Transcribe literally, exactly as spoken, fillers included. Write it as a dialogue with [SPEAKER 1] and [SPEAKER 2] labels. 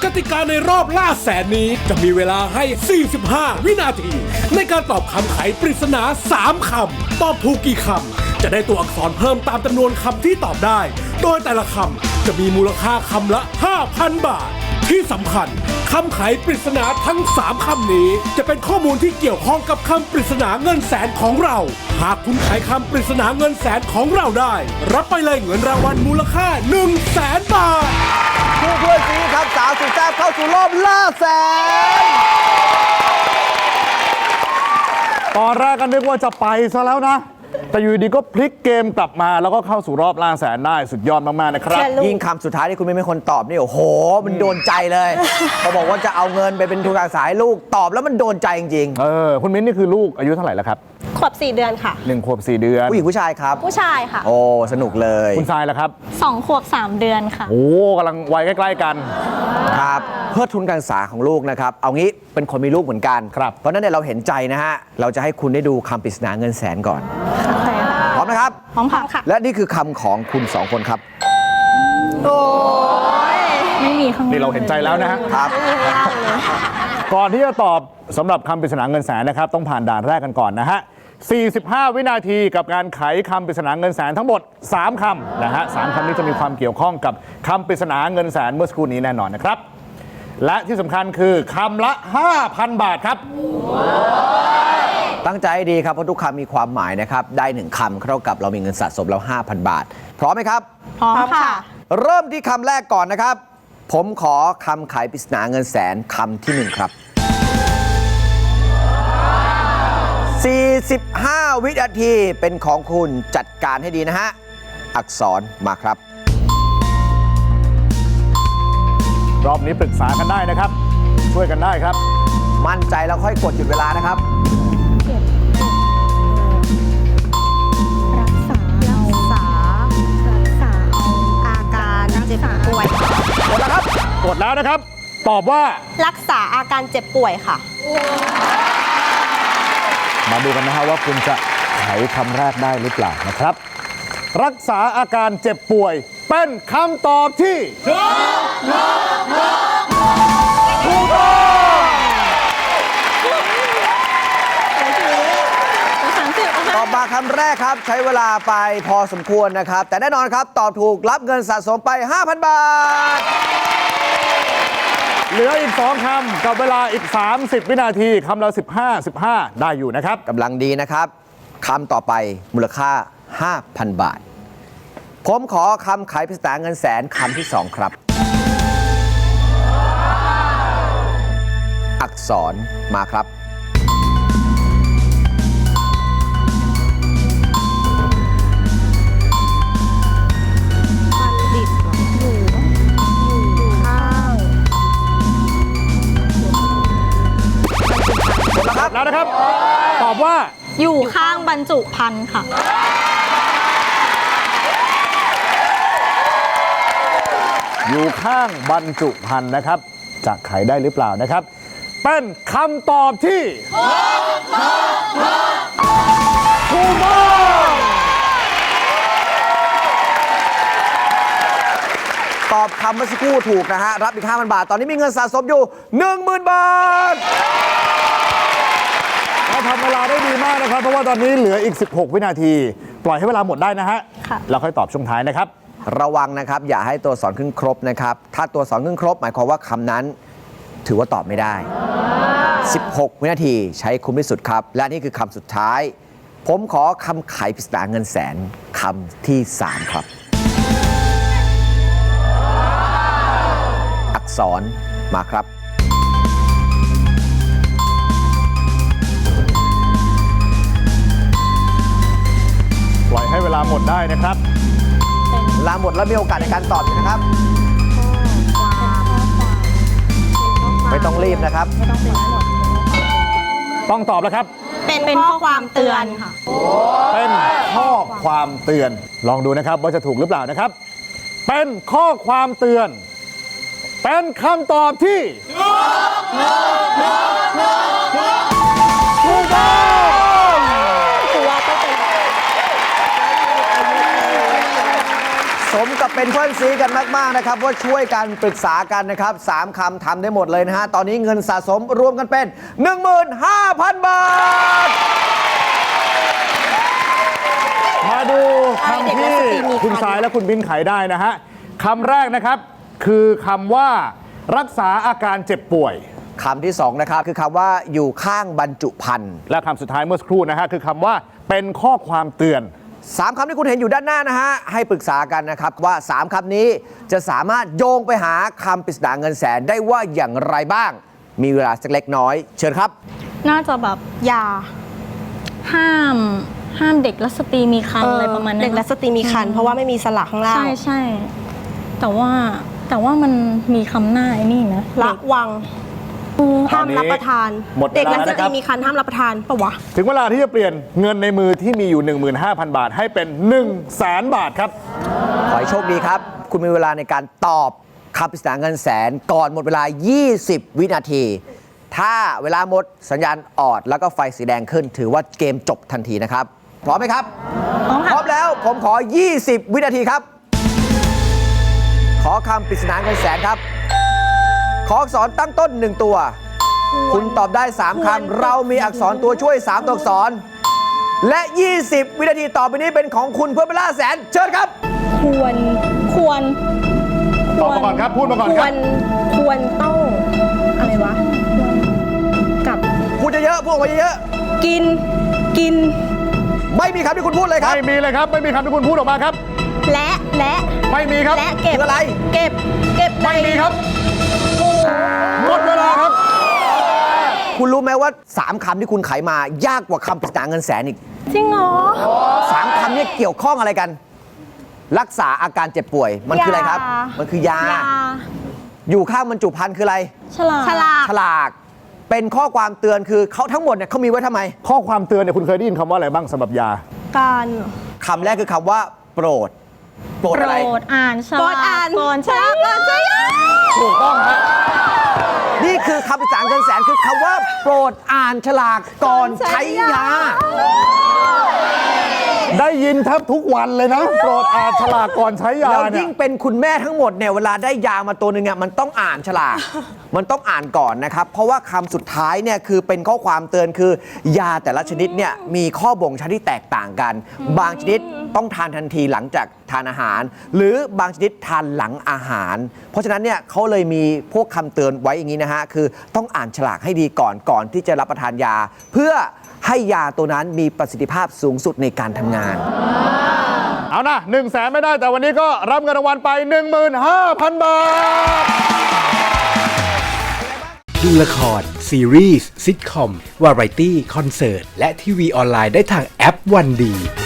[SPEAKER 1] กติกาในรอบล่าแสนนี้จะมีเวลาให้ สี่สิบห้า วินาที ในการตอบคำไขปริศนา สาม คำ ตอบถูกกี่คำ จะได้ตัวอักษรเพิ่มตามจำนวนคำที่ตอบได้ โดยแต่ละคำจะมีมูลค่าคำละ ห้าพัน บาท ที่สำคัญคำไขปริศนาทั้ง สาม คำนี้จะเป็นข้อมูลที่เกี่ยวข้องกับคำปริศนาเงินแสนของเรา หากคุณไขคำปริศนาเงินแสนของเราได้ รับไปเลยเงินรางวัลมูลค่า หนึ่งแสน บาท
[SPEAKER 2] ผู้ช่วยซีครับสาวสุดแซ่บเข้าสู่รอบล่าแสน
[SPEAKER 3] ตอนแรกก็นึกว่าจะไปซะแล้วนะ แต่อยู่ดีก็พลิกเกมกลับมาแล้วก็เข้าสู่รอบล่าแสนได้สุดยอดมากๆนะครับ
[SPEAKER 2] ยิ่งคำสุดท้ายที่คุณไม่เป็นคนตอบนี่โอ้โห มันโดนใจเลยเขาบอกว่าจะเอาเงินไปเป็นทุนการศึกษาให้ลูกตอบแล้วมันโดนใจจริง
[SPEAKER 3] เออคุณมิ้นนี่คือลูกอายุเท่าไหร่แล้วครับ
[SPEAKER 4] ขวบสี่เดือนค่ะ
[SPEAKER 3] หนึ่งขวบสี่เดือน
[SPEAKER 2] ๆผู้หญิงผู้ชายครับ
[SPEAKER 4] ผู้ชายค่ะ
[SPEAKER 2] โอ้สนุกเลย
[SPEAKER 3] คุณทรายล่ะครับ
[SPEAKER 4] สองขวบสามเดือนค่ะ
[SPEAKER 3] โอ้กำลังวัยใกล้ๆกัน
[SPEAKER 2] ครับเพื่อทุนการศึกษาของลูกนะครับเอางี้เป็นคนมีลูกเหมือนกัน
[SPEAKER 3] ครับ
[SPEAKER 2] เพราะฉะนั้นเนี่ยเราเห็นใจนะฮะเราจะให้คุณได้ดูคำปริศนาเงินแสนก่อนพร้อมนะครับ
[SPEAKER 4] พร้อมค่ะ
[SPEAKER 2] และนี่คือคำของคุณสองคนครับ
[SPEAKER 4] โอ้ยไม่มีข้าง
[SPEAKER 3] นี่เราเห็นใจแล้วนะฮะ
[SPEAKER 2] ครับ
[SPEAKER 3] ก่อนที่จะตอบสำหรับคำปริศนาเงินแสนนะครับต้องผ่านด่านแรกกันก่อนนะฮะ สี่สิบห้า วินาทีกับการไขคำปริศนาเงินแสนทั้งหมด สาม คำนะฮะสามคำนี้จะมีความเกี่ยวข้องกับคำปริศนาเงินแสนเมื่อสักครู่นี้แน่นอนนะครับ และที่สำคัญคือคำละ ห้าพัน บาทครับ
[SPEAKER 2] ตั้งใจให้ดีครับเพราะทุกคำมีความหมายนะครับได้หนึ่งคำเท่ากับเรามีเงินสะสมแล้ว ห้าพัน บาท พร้อมไหมครับ
[SPEAKER 4] พร้อมค่ะ
[SPEAKER 2] เริ่มที่คำแรกก่อนนะครับ ผมขอคำไขปริศนาเงินแสนคำที่หนึ่งครับ สี่สิบห้า วินาทีเป็นของคุณจัดการให้ดีนะฮะ อักษรมาครับ
[SPEAKER 3] รอบนี้ปรึกษากันได้นะครับ ช่วยกันได้ครับ
[SPEAKER 2] มั่นใจแล้วค่อยกดหยุดเวลานะครับ
[SPEAKER 4] รักษารักษารักษาอาการเจ็บป่วย
[SPEAKER 3] กดแล้วครับ กดแล้วนะครับ ตอบว่า
[SPEAKER 4] รักษาอาการเจ็บป่วยค่ะ
[SPEAKER 3] มาดูกันนะฮะว่าคุณจะไขคำแรกได้หรือเปล่านะครับ รักษาอาการเจ็บป่วย เป็นคำตอบที่ถูกต้อง
[SPEAKER 2] ตอบมาคำแรกครับใช้เวลาไปพอสมควรนะครับ แต่แน่นอนครับตอบถูกรับเงินสะสมไป ห้าพัน บาท
[SPEAKER 3] เหลืออีก สอง คำกับเวลาอีก สามสิบ วินาทีคำละสิบห้า สิบห้า ได้อยู่นะครับ
[SPEAKER 2] กำลังดีนะครับคำต่อไปมูลค่า ห้าพัน บาท ผมขอคำไขปริศนาเงินแสนคำที่สองครับ อักษรมาครับ
[SPEAKER 4] มันดิบอยู่อยู่ข้าง
[SPEAKER 2] หมดแล้วครับ
[SPEAKER 3] แล้วนะครับ ตอบว่า
[SPEAKER 4] อยู่ข้างบรรจุภัณฑ์ค่ะ
[SPEAKER 3] อยู่ข้างบรรจุภัณฑ์นะครับ จะไขได้หรือเปล่านะครับ เป็นคำตอบที่ถูกต้อง
[SPEAKER 2] ตอบคำเมื่อสักครู่ถูกนะฮะ รับอีก ห้าพัน บาท ตอนนี้มีเงินสะสมอยู่ หนึ่งหมื่น บาท
[SPEAKER 3] เราทำเวลาได้ดีมากนะครับ เพราะว่าตอนนี้เหลืออีก สิบหก วินาที ปล่อยให้เวลาหมดได้นะฮะ
[SPEAKER 4] ค่ะ
[SPEAKER 3] แล้วค่อยตอบช่วงท้ายนะครับ
[SPEAKER 2] ระวังนะครับ อย่าให้ตัวสอนขึ้นครบนะครับ ถ้าตัวสอนขึ้นครบ หมายความว่าคำนั้น ถือว่าตอบไม่ได้ สิบหก วินาทีใช้คุ้มที่สุดครับ และนี่คือคำสุดท้าย ผมขอคำไขปริศนาเงินแสนคำที่สามครับ อักษรมาครับ
[SPEAKER 3] ปล่อยให้เวลาหมดได้นะครับ
[SPEAKER 2] ลาหมดแล้วมีโอกาสในการตอบอยู่นะครับ ไม่ต้องรีบนะครับ
[SPEAKER 4] ไม่ต้องเป็นหมด
[SPEAKER 3] ต้องตอบแล้วครับ
[SPEAKER 4] เป็นเป็นข้อความเตือนค่ะ
[SPEAKER 3] เป็นข้อความเตือน ลองดูนะครับว่าจะถูกหรือเปล่านะครับ เป็นข้อความเตือน เป็นคำตอบที่ถูกต้อง
[SPEAKER 2] สมกับเป็นเพื่อนซีกันมาก ๆ นะครับ ว่าช่วยกันปรึกษากันนะครับสามคำทำได้หมดเลยนะฮะ ตอนนี้เงินสะสมรวมกันเป็น หนึ่งหมื่นห้าพัน บาท
[SPEAKER 3] มาดูคำที่คุณสายและคุณบินไขได้นะฮะคำแรกนะครับคือคำว่ารักษาอาการเจ็บป่วย
[SPEAKER 2] คำที่สองนะครับคือคำว่าอยู่ข้างบรรจุภัณฑ์
[SPEAKER 3] และคำสุดท้ายเมื่อสักครู่นะฮะคือคำว่าเป็นข้อความเตือน
[SPEAKER 2] สามคำที่คุณเห็นอยู่ด้านหน้านะฮะให้ปรึกษากันนะครับว่าสามคำนี้จะสามารถโยงไปหาคำปริศนาเงินแสนได้ว่าอย่างไรบ้างมีเวลาสักเล็กน้อยเชิญครับ
[SPEAKER 4] น่าจะแบบยา
[SPEAKER 5] ห้ามห้ามเด็กและสตรีมีครรภ์อะไรประมาณนั้น
[SPEAKER 4] เด็กและสตรีมีครรภ์เพราะว่าไม่มีสระข้างล่าง
[SPEAKER 5] ใช่ใช่แต่ว่าแต่ว่ามันมีคำหน้าไอ้นี่นะ
[SPEAKER 4] ระวังห้ามรับประทานเด็กและสตรีมีครรภ์ห้ามรับประทานปะวะ
[SPEAKER 3] ถึงเวลาที่จะเปลี่ยนเงินในมือที่มีอยู่ หนึ่งหมื่นห้าพัน บาทให้เป็น หนึ่งแสน บาทครับ
[SPEAKER 2] ขอให้โชคดีครับคุณมีเวลาในการตอบคำปริศนาเงินแสนก่อนหมดเวลายี่สิบวินาทีถ้าเวลาหมดสัญญาณออดแล้วก็ไฟสีแดงขึ้นถือว่าเกมจบทันทีนะครับพร้อมไหมครับ
[SPEAKER 5] พร้อม
[SPEAKER 2] พร้อมแล้วผมขอยี่สิบวินาทีครับขอคำปริศนาเงินแสนครับขออักษรตั้งต้นหนึ่งตัวคุณตอบได้สามคำเรามีอักษรตัวช่วยสามตัวอักษรและยี่สิบวินาทีต่อไปนี้เป็นของคุณเพื่อไปล่าแสนเชิญครับ
[SPEAKER 5] ควรควร
[SPEAKER 3] ตอบมาก่อนครับพูดมาก่อน
[SPEAKER 4] ครับควรควรต้องอะไรวะกับ
[SPEAKER 2] พูดเยอะๆพูดออกมาเยอะ
[SPEAKER 4] ๆกินกิน
[SPEAKER 2] ไม่มีคำที่คุณพูดเลยครับ
[SPEAKER 3] ไม่มีเลยครับไม่มีคำที่คุณพูดออกมาครับ
[SPEAKER 4] และและ
[SPEAKER 3] ไม่มีครับ
[SPEAKER 4] และเก็บ
[SPEAKER 2] อะไร
[SPEAKER 4] เก็บเก็บ
[SPEAKER 3] ไม่มีครับหมดเวลาครับ
[SPEAKER 2] คุณรู้ไหมว่าสามคำที่คุณไขมายากกว่าคำปริศนาเงินแสนอีก
[SPEAKER 4] จริงเหรอ
[SPEAKER 2] สามคำนี้เกี่ยวข้องอะไรกันรักษาอาการเจ็บป่วยมันคืออะไรครับมันคือยาอยู่ข้างบรรจุภัณฑ์คืออะไร
[SPEAKER 5] ฉลาก
[SPEAKER 4] ฉลาก
[SPEAKER 2] ฉลากเป็นข้อความเตือนคือเขาทั้งหมดเนี่ยเขามีไว้ทำไม
[SPEAKER 3] ข้อความเตือนเนี่ยคุณเคยได้ยินคำว่าอะไรบ้างสำหรับยา
[SPEAKER 4] การ
[SPEAKER 2] คำแรกคือคำว่าโปรดโปรดอะไร
[SPEAKER 5] โปรดอ่านฉลาก
[SPEAKER 4] ก่อนอ่าน
[SPEAKER 5] ก่อนใช้
[SPEAKER 4] ก่อนใช้
[SPEAKER 3] ถูกต้องฮะ
[SPEAKER 2] นี่คือคำปริศนาเงินแสนคือคำว่าโปรดอ่านฉลากก่อนใช้ยา
[SPEAKER 3] ได้ยินแทบทุกวันเลยนะโปรดอ่านฉลากก่อนใช้ยา
[SPEAKER 2] แล้ว
[SPEAKER 3] เนี่ย
[SPEAKER 2] ยิ่งเป็นคุณแม่ทั้งหมดเนี่ยเวลาได้ยามาตัวหนึ่งอ่ะมันต้องอ่านฉลากมันต้องอ่านก่อนนะครับเพราะว่าคำสุดท้ายเนี่ยคือเป็นข้อความเตือนคือยาแต่ละชนิดเนี่ยมีข้อบ่งชี้ที่แตกต่างกันบางชนิดต้องทานทันทีหลังจากทานอาหารหรือบางชนิดทานหลังอาหารเพราะฉะนั้นเนี่ยเขาเลยมีพวกคำเตือนไว้อย่างนี้นะฮะคือต้องอ่านฉลากให้ดีก่อนก่อนที่จะรับประทานยาเพื่อให้ยาตัวนั้นมีประสิทธิภาพสูงสุดในการทำงาน
[SPEAKER 3] เอานะหนึ่งแสนไม่ได้แต่วันนี้ก็รับเงินรางวัลไป หนึ่งหมื่นห้าพัน บาท
[SPEAKER 1] ดูละครซีรีส์ซิทคอมวาไรตี้คอนเสิร์ตและทีวีออนไลน์ได้ทางแอปวันดี